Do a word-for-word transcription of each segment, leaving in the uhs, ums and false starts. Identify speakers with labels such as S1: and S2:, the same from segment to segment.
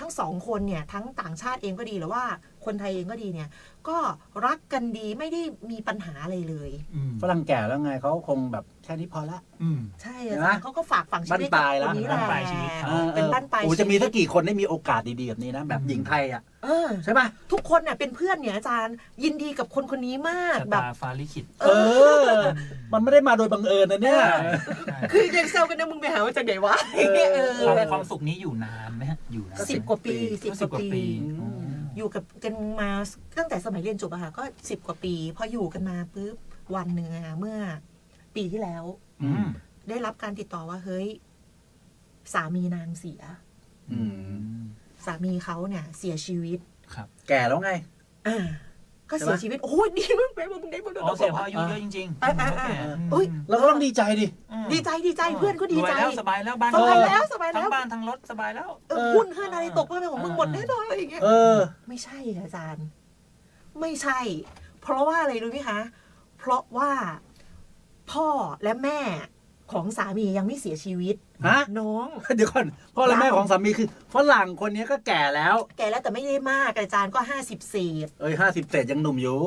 S1: ทั้งสองคนเนี่ยทั้งต่างชาติเองก็ดีหรือว่าคนไทยเองก็ดีเนี่ยก็รักกันดีไม่ได้มีปัญหาอะไรเลย
S2: ฝรั่งแก่แล้วไงเขาคงแบบแค่นี้พอละ
S1: ใช่อาจารย์เขาก็ฝากฝังชีวิต
S2: บ้านปลายแล้ว
S1: คนนี้แหละเป็นบ้านปลาย
S2: โอ้จะมีสักกี่คนได้มีโอกาสดีๆแบบนี้นะแบบหญิงไทยอ่ะใช่ป่ะ
S1: ทุกคนเนี่ยเป็นเพื่อนเนี่ยอาจารย์ยินดีกับคนคนนี้มากแบบ
S3: ฟ้าลิขิต
S2: เออมันไม่ได้มาโดยบังเอิญนะเนี่ย
S1: คือยังเซลกันนะมึงไปหาว่าจากไหนวะ
S3: ความสุขนี้อยู่นานไหมอยู่นาน
S1: สิบกว่าปีสิบกว่าปีอยู่กับกันมาตั้งแต่สมัยเรียนจบอะค่ะก็สิบกว่าปีพออยู่กันมาปุ๊บวันหนึ่งอะเมื่อปีที่แล้วได้รับการติดต่อว่าเฮ้ยสามีนางเสียสามีเขาเนี่ยเสียชีวิต
S3: ครับ
S2: แก่แล้วไง
S1: อ่าก็เสียชีวิตโอ้ยดีมากไปมึงได้มึงได้
S3: อ๋อเสียเพราะอายุเยอะจริงๆ
S1: อ่าอ่า
S2: อุ้ยเราก็ต้องดีใจดิ
S1: ดีใจดีใจเพื่อนก็ดีใจ
S3: สบายแล้วบ้าน
S1: สบายแล้วสบายแล้ว
S3: ทั้งบ้านทั้งรถสบายแล้ว
S1: เออหุ้นเฮือนอะไรตกบ้านของมึงหมดแน่นอนอะไรอย่างเงี้ย
S2: เออ
S1: ไม่ใช่อาจารย์ไม่ใช่ เพราะว่าอะไรรู้ไหมคะเพราะว่าพ่อและแม่ของสามียังไม่เสียชีวิต
S2: ฮะ
S1: น้อง
S2: เดี๋ยวก่อนพ่อและแม่ของสามีคือฝรั่งคนนี้ก็แก่แล้ว
S1: แก่แล้วแต่ไม่ได้มากอาจารย์ก็ห้าสิบเศษ
S2: เอ้ยห้าสิบเศษยังหนุ่มอยู่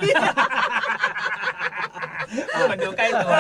S3: มันดูใกล้ตัว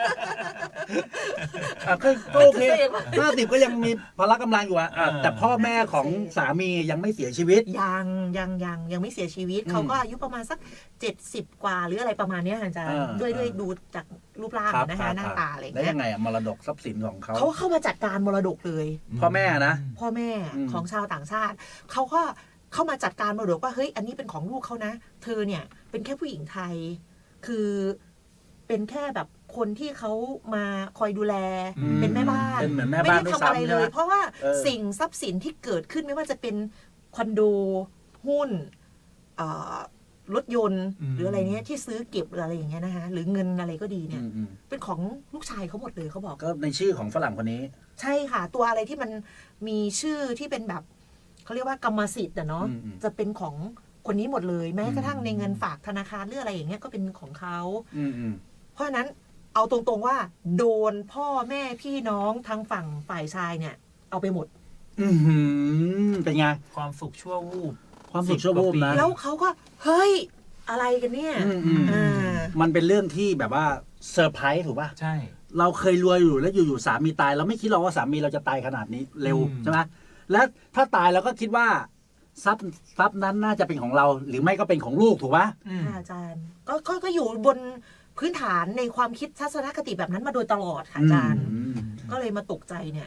S2: ก็โอเคห้าสิบก็ยังมีพละกำลังอยู่อะแต่พ่อแม่ของสามียังไม่เสียชีวิต
S1: ยังยังยังยังไม่เสียชีวิตเขาก็อายุประมาณสักเจ็ดสิบกว่าหรืออะไรประมาณนี้อาจารย์ด้วยด้วยดูจากรูปร่างนะคะหน้าตาอะไร
S2: แล้วยังไงอะมรดกทรัพย์สินของเขา
S1: เขาเข้ามาจัดการมรดกเลย
S2: พ่อแม่นะ
S1: พ่อแม่ของชาวต่างชาติเขาก็เข้ามาจัดการมรดกว่าเฮ้ยอันนี้เป็นของลูกเขานะเธอเนี่ยเป็นแค่ผู้หญิงไทยคือเป็นแค่แบบคนที่เขามาคอยดูแลเป็นแม่บ้านไม่ได้ทำอะไรเลยเพราะว่าสิ่งทรัพย์สินที่เกิดขึ้นไม่ว่าจะเป็นคอนโดหุ้นรถยนต์หรืออะไรเนี้ยที่ซื้อเก็บหรืออะไรอย่างเงี้ยนะคะหรือเงินอะไรก็ดีเนี่ยเป็นของลูกชายเขาหมดเลยเขาบอก
S2: ก็ในชื่อของฝรั่งคนนี้
S1: ใช่ค่ะตัวอะไรที่มันมีชื่อที่เป็นแบบเขาเรียกว่ากรรมสิทธิ์อะเนาะจะเป็นของคนนี้หมดเลยแม้กระทั่งในเงินฝากธนาคารหรืออะไรอย่างเงี้ยก็เป็นของเขาเพราะฉะนั้นเอาตรงๆว่าโดนพ่อแม่พี่น้องทางฝั่งฝ่ายชายเนี่ยเอาไปหมด
S2: อืมเป็นไง
S3: ความสุขชั่ววูบ
S2: ความสุขชั่ววูบนะ
S1: แล้วเขาก็เฮ้ยอะไรกันเนี่ย
S2: มันเป็นเรื่องที่แบบว่าเซอร์ไพรส์ถูกป่ะ
S3: ใช่
S2: เราเคยรวยอยู่แล้วอยู่ๆสามีตายเราไม่คิดหรอกว่าสามีเราจะตายขนาดนี้เร็วใช่ไหมแล้วถ้าตายเราก็คิดว่าทรัพย์ทรัพย์นั้นน่าจะเป็นของเราหรือไม่ก็เป็นของลูกถูกป่ะ
S1: อาจารย์ก็ก็อยู่บนพื้นฐานในความคิดทัศนคติแบบนั้นมาโดยตลอดค่ะอาจารย์ก็เลยมาตกใจเนี่ย